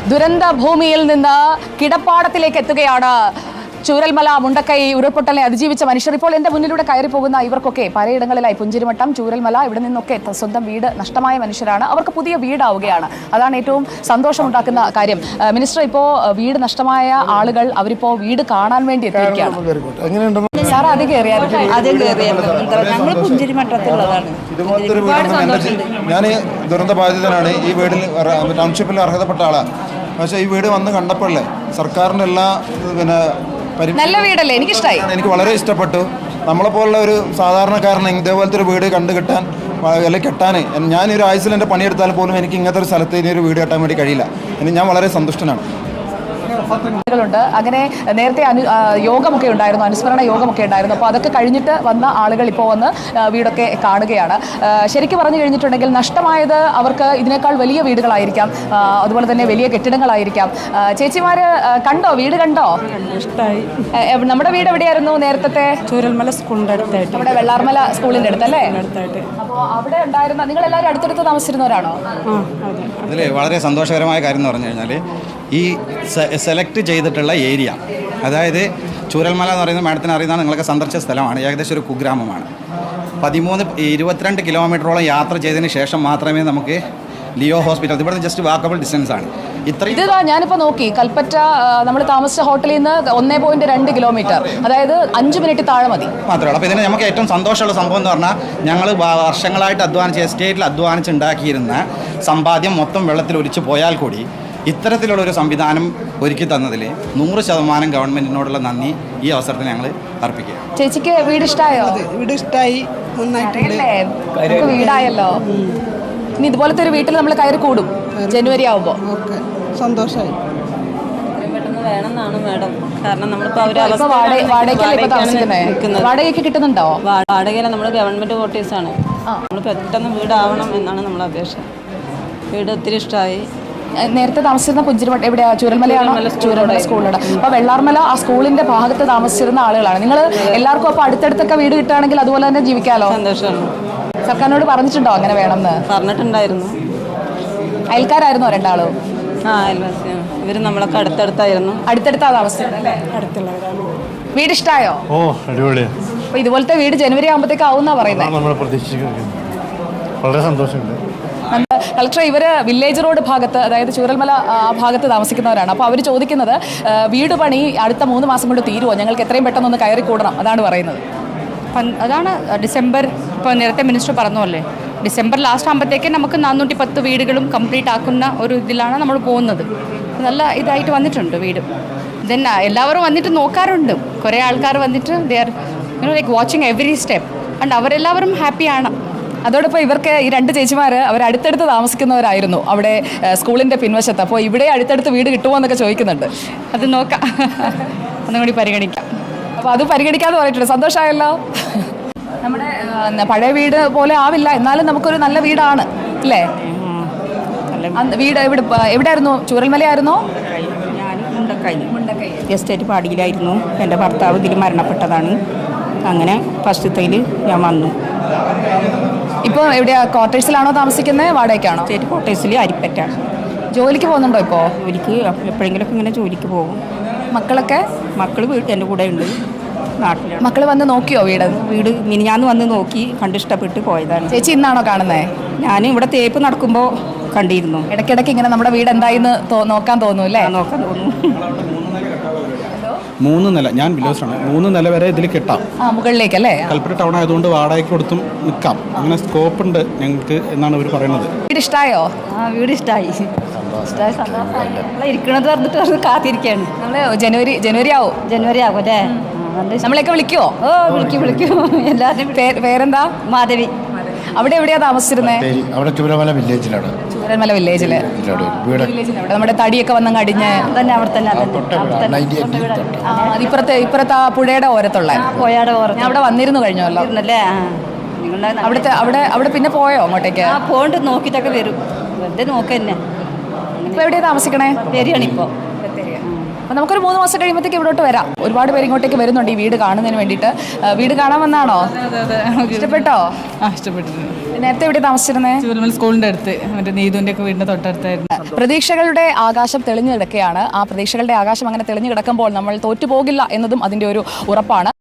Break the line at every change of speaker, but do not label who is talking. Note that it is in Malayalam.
ദുരന്ത ഭൂമിയിൽ നിന്ന് കിടപ്പാടത്തിലേക്ക് എത്തുകയാണ് ചൂരൽമല മുണ്ടക്കൈ ഉരുൾപൊട്ടലിനെ അതിജീവിച്ച മനുഷ്യർ. ഇപ്പോൾ എൻ്റെ മുന്നിലൂടെ കയറി പോകുന്ന ഇവർക്കൊക്കെ പലയിടങ്ങളിലായി പുഞ്ചിരിമട്ടം, ചൂരൽമല, ഇവിടെ നിന്നൊക്കെ സ്വന്തം വീട് നഷ്ടമായ മനുഷ്യരാണ്. അവർക്ക് പുതിയ വീടാവുകയാണ്. അതാണ് ഏറ്റവും സന്തോഷമുണ്ടാക്കുന്ന കാര്യം. മിനിസ്റ്റർ, ഇപ്പോൾ വീട് നഷ്ടമായ ആളുകൾ അവരിപ്പോൾ വീട് കാണാൻ വേണ്ടി എത്തിയിരിക്കുകയാണ്. സാർ ആദ്യം കയറിയായിരുന്നു?
ഞങ്ങൾ പുഞ്ചിരിമട്ടത്തിലുള്ളതാണ്.
ഞാൻ ദുരന്ത ബാധിതനാണ്. ഈ വീടിൽ ടൗൺഷിപ്പിൽ അർഹതപ്പെട്ട ആളാണ്. പക്ഷേ ഈ വീട് വന്ന് കണ്ടപ്പോഴല്ലേ സർക്കാരിൻ്റെ എല്ലാ
നല്ല വീടല്ലേ, എനിക്കിഷ്ടമായി.
എനിക്ക് വളരെ ഇഷ്ടപ്പെട്ടു. നമ്മളെപ്പോലുള്ള ഒരു സാധാരണക്കാരന് ഇതേപോലത്തെ ഒരു വീട് കണ്ടു കിട്ടാൻ അല്ലെങ്കിൽ കെട്ടാൻ ഞാനൊരു ആയുസിൽ എൻ്റെ പണിയെടുത്താൽ പോലും എനിക്ക് ഇങ്ങനത്തെ ഒരു സ്ഥലത്ത് ഇനി ഒരു വീട് കെട്ടാൻ വേണ്ടി കഴിയില്ല. ഞാൻ വളരെ സന്തുഷ്ടനാണ്.
ണ്ട് അങ്ങനെ നേരത്തെ യോഗമൊക്കെ ഉണ്ടായിരുന്നു, അനുസ്മരണ യോഗമൊക്കെ ഉണ്ടായിരുന്നു. അപ്പോൾ അതൊക്കെ കഴിഞ്ഞിട്ട് വന്ന ആളുകൾ ഇപ്പോൾ വന്ന് വീടൊക്കെ കാണുകയാണ്. ശരിക്കും പറഞ്ഞു കഴിഞ്ഞിട്ടുണ്ടെങ്കിൽ നഷ്ടമായത് അവർക്ക് ഇതിനേക്കാൾ വലിയ വീടുകളായിരിക്കാം, അതുപോലെ തന്നെ വലിയ കെട്ടിടങ്ങളായിരിക്കാം. ചേച്ചിമാർ കണ്ടോ, വീട് കണ്ടോ?
ഇഷ്ടമായി.
നമ്മുടെ വീട് എവിടെയായിരുന്നു നേരത്തെ?
ചൂരൽമല സ്കൂളിൻ്റെ അടുത്തായിട്ട്,
നമ്മുടെ വെള്ളാർമല സ്കൂളിൻ്റെ അടുത്തല്ലേ?
അടുത്തായിട്ട്.
അപ്പോൾ അവിടെ ഉണ്ടായിരുന്ന നിങ്ങളെല്ലാവരും അടുത്തടുത്ത് താമസിച്ചിരുന്നവരാണോ?
അതിൽ വളരെ സന്തോഷകരമായ കാര്യം എന്ന് പറഞ്ഞു കഴിഞ്ഞാൽ ഈ സെലക്ട് ചെയ്തിട്ടുള്ള ഏരിയ, അതായത് ചൂരൽമല എന്ന് പറയുന്നത് മാഡത്തിന് അറിയുന്ന നിങ്ങളൊക്കെ സന്ദർശിച്ച സ്ഥലമാണ്. ഏകദേശം ഒരു കുഗ്രാമമാണ്. 22 കിലോമീറ്ററോളം യാത്ര ചെയ്തതിന് ശേഷം മാത്രമേ നമുക്ക് ലിയോ ഹോസ്പിറ്റൽ, ഇവിടെ ജസ്റ്റ് വാക്കബിൾ ഡിസ്റ്റൻസ് ആണ്.
ഇത് ഞാനിപ്പോൾ നോക്കി, കൽപ്പറ്റ നമ്മൾ താമസിച്ച ഹോട്ടലിൽ നിന്ന് 1.2 കിലോമീറ്റർ, അതായത് 5 മിനിറ്റ് താഴെ മതി
മാത്രമേ. അപ്പോൾ ഇതിന് നമുക്ക് ഏറ്റവും സന്തോഷമുള്ള സംഭവം എന്ന് പറഞ്ഞാൽ ഞങ്ങൾ വർഷങ്ങളായിട്ട് അധ്വാനിച്ച് എസ്റ്റേറ്റിൽ അധ്വാനിച്ചുണ്ടാക്കിയിരുന്ന സമ്പാദ്യം മൊത്തം വെള്ളത്തിൽ ഒലിച്ചു പോയാൽ കൂടി ഇത്തരത്തിലുള്ള ഒരു സംവിധാനം ഒരുക്കി തന്നതിൽ 100% ഗവൺമെൻറ്റിനോടുള്ള നന്ദി ഈ അവസരത്തിൽ ഞങ്ങൾ അർപ്പിക്കുക.
ചേച്ചിക്ക് വീട് ഇഷ്ടമായോ?
വീട് ഇഷ്ടമായി, നന്നായിട്ടുണ്ട്.
വീടായല്ലോ. ഇനി ഇതുപോലത്തെ ഒരു വീട്ടിൽ നമ്മൾ കയറി കൂടും ജനുവരി ആവുമ്പോൾ.
ഓക്കെ, സന്തോഷമായി.
വേണമെന്നാണ് മാഡം. കാരണം നമ്മളിപ്പോൾ
വാടകയ്ക്ക് കിട്ടുന്നുണ്ടോ?
വാടകയില നമ്മൾ ഗവൺമെൻറ് ക്വാർട്ടേഴ്സാണ്. നമ്മൾ പെട്ടെന്ന് വീടാവണം എന്നാണ് നമ്മളെ അപേക്ഷ. വീട് ഒത്തിരി ഇഷ്ടമായി.
നേരത്തെ താമസിച്ചിരുന്ന പുഞ്ചിരിമട്ടം എവിടെയാ? ചൂരൽമലയാണോ? ചൂരൽമല സ്കൂളിലാണ്. അപ്പോൾ വെള്ളാർമല ആ സ്കൂളിന്റെ ഭാഗത്ത് താമസിച്ചിരുന്ന ആളുകളാണ് നിങ്ങൾ എല്ലാവർക്കും. അപ്പോൾ അടുത്തടുത്തൊക്കെ വീട് കിട്ടുകയാണെങ്കിൽ അതുപോലെ തന്നെ ജീവിക്കാമല്ലോ.
സന്തോഷമാണ്.
സർക്കാരിനോട് പറഞ്ഞിട്ടുണ്ടോ അങ്ങനെ വേണമെന്ന്?
പറഞ്ഞിട്ടുണ്ടായിരുന്നു.
അയൽക്കാരായിരുന്നോ രണ്ടാളും?
അയൽവാസിയാണ്. ഇവർ നമ്മളൊക്കെ അടുത്തടുത്തായിരുന്നു.
അടുത്തടുത്താ താമസിച്ചത്?
അടുത്തുള്ളവരാണ്.
വീട് ഇഷ്ടമായോ?
ഓ, അടിപൊളിയാണ്.
അപ്പോൾ ഇതുപോലത്തെ വീട് ജനുവരി ആകുമ്പോഴത്തേക്ക് ആവുമെന്നാണ് പറയുന്നത്.
നമ്മൾ പ്രതീക്ഷിക്കുന്നു. വളരെ സന്തോഷമുണ്ട്.
കളക്ടർ, ഇവർ വില്ലേജ് റോഡ് ഭാഗത്ത്, അതായത് ചൂരൽമല ആ ഭാഗത്ത് താമസിക്കുന്നവരാണ്. അപ്പോൾ അവർ ചോദിക്കുന്നത് വീട് പണി അടുത്ത 3 മാസം കൊണ്ട് തീരുമോ, ഞങ്ങൾക്ക് എത്രയും പെട്ടെന്ന് കയറി കൂടണം, അതാണ് പറയുന്നത്.
അതാണ് ഡിസംബർ, ഇപ്പോൾ നേരത്തെ മിനിസ്റ്റർ പറഞ്ഞല്ലേ, ഡിസംബർ ലാസ്റ്റ് ആകുമ്പോഴത്തേക്ക് നമുക്ക് 410 വീടുകളും കംപ്ലീറ്റ് ആക്കുന്ന ഒരു ഇതിലാണ് നമ്മൾ പോകുന്നത്. നല്ല ഇതായിട്ട് വന്നിട്ടുണ്ട് വീട്. ദെൻ എല്ലാവരും വന്നിട്ട് നോക്കാറുണ്ട്. കുറേ ആൾക്കാർ വന്നിട്ട് they are like watching every step and അവരെല്ലാവരും ഹാപ്പിയാണ്.
അതോടൊപ്പം ഇവർക്ക് ഈ 2 ചേച്ചിമാർ അവർ അടുത്തടുത്ത് താമസിക്കുന്നവരായിരുന്നു അവിടെ സ്കൂളിൻ്റെ പിൻവശത്ത്. അപ്പോൾ ഇവിടെ അടുത്തടുത്ത് വീട് കിട്ടുമോ എന്നൊക്കെ ചോദിക്കുന്നുണ്ട്.
അത് നോക്കാം, ഒന്നും കൂടി പരിഗണിക്കാം.
അപ്പോൾ അത് പരിഗണിക്കാതെ പറഞ്ഞിട്ടുണ്ട്. സന്തോഷമായല്ലോ. നമ്മുടെ പഴയ വീട് പോലെ ആവില്ല, എന്നാലും നമുക്കൊരു നല്ല വീടാണ് അല്ലേ? വീട് എവിടെയായിരുന്നു? ചൂരൽമലയായിരുന്നോ?
ഞാൻ മുണ്ടക്കൈ എസ്റ്റേറ്റ് പാടിയിലായിരുന്നു. എൻ്റെ ഭർത്താവ് ഇതിൽ മരണപ്പെട്ടതാണ്. അങ്ങനെ ഫസ്റ്റത്തേൽ ഞാൻ വന്നു.
ഇപ്പോൾ എവിടെയാ? ക്വാർട്ടേഴ്സിലാണോ താമസിക്കുന്നത്? വാടകയ്ക്കാണോ?
സ്റ്റേറ്റ് ക്വാർട്ടേഴ്സിൽ അരിപ്പറ്റ.
ജോലിക്ക് പോകുന്നുണ്ടോ ഇപ്പോൾ?
ജോലിക്ക് എപ്പോഴെങ്കിലുമൊക്കെ ഇങ്ങനെ ജോലിക്ക് പോകും.
മക്കളൊക്കെ?
മക്കൾ എൻ്റെ കൂടെ ഉണ്ട്, നാട്ടിലാണ്.
മക്കൾ വന്ന് നോക്കിയോ വീട്?
വീട് മിനിഞ്ഞാന്ന് വന്ന് നോക്കി, കണ്ടിഷ്ടപ്പെട്ട് പോയതാണ്.
ചേച്ചി ഇന്നാണോ കാണുന്നത്?
ഞാൻ ഇവിടെ തേപ്പ് നടക്കുമ്പോൾ കണ്ടിരുന്നു.
ഇടയ്ക്കിടയ്ക്ക് ഇങ്ങനെ നമ്മുടെ വീട് എന്തായിന്ന് നോക്കാൻ തോന്നും അല്ലേ?
നോക്കാൻ തോന്നുന്നു.
3 നില, ഞാൻ വില്ലേജാണ്, 3 നില വരെ ഇതിൽ കിട്ടാം.
മുകളിലേക്കല്ലേ?
കൽപ്പറ്റ ടൗൺ ആയതുകൊണ്ട് വാടകയ്ക്ക് കൊടുത്തും നിൽക്കാം. അങ്ങനെ സ്കോപ്പ് ഉണ്ട് ഞങ്ങൾക്ക് എന്നാണ് അവർ പറയുന്നത്.
വീട് ഇഷ്ടമായോ?
വീട് ഇഷ്ടമായി. ഇരിക്കണത് പറഞ്ഞിട്ട് കാത്തിരിക്കുകയാണ്.
നമ്മൾ ജനുവരി ആവും.
ജനുവരി ആകും അല്ലേ?
നമ്മളെയൊക്കെ വിളിക്കുവോ?
ഓ, വിളിക്കും. എല്ലാവരും.
പേരെന്താ?
മാധവി.
അവിടെ എവിടെയാ താമസിച്ചിരുന്നത്?
അവിടെ ചൂരൽമല വില്ലേജിലാണ്.
ചൂരൽമല വില്ലേജില് നമ്മുടെ തടിയൊക്കെ വന്നങ്ങ് അടിഞ്ഞ്
അവിടെ തന്നെ
ഇപ്പുറത്തെ ആ പുഴയുടെ ഓരത്തുള്ള
പോയാടെ ഓരം.
അവിടെ വന്നിരുന്നു കഴിഞ്ഞല്ലോ
അല്ലേ?
അവിടെ പിന്നെ പോയോ അങ്ങോട്ടേക്ക്?
പോണ്ട് നോക്കിയിട്ടൊക്കെ വരും. വെറുതെ നോക്കന്നെ.
ഇപ്പൊ എവിടെയാ താമസിക്കണേ?
ബത്തേരിയാണ് ഇപ്പോൾ.
അപ്പോൾ നമുക്കൊരു 3 മാസം കഴിയുമ്പോഴത്തേക്ക് ഇവിടോട്ട് വരാം. ഒരുപാട് പേര് ഇങ്ങോട്ടേക്ക് വരുന്നുണ്ട് ഈ വീട് കാണുന്നതിന് വേണ്ടിയിട്ട്. വീട് കാണാൻ വന്നാണോ? ഇഷ്ടപ്പെട്ടോ?
ഇഷ്ടപ്പെട്ടിട്ടുണ്ട്.
നേരത്തെ എവിടെ താമസിച്ചിരുന്നത്?
ചൂരൽമല സ്കൂളിൻ്റെ അടുത്ത്, മറ്റേ നീതുവിൻ്റെ ഒക്കെ വീടിൻ്റെ തൊട്ടടുത്തായിരുന്നു.
പ്രതീക്ഷകളുടെ ആകാശം തെളിഞ്ഞു കിടക്കുകയാണ്. ആ പ്രതീക്ഷകളുടെ ആകാശം അങ്ങനെ തെളിഞ്ഞു കിടക്കുമ്പോൾ നമ്മൾ തോറ്റുപോകില്ല എന്നതും അതിൻ്റെ ഒരു ഉറപ്പാണ്.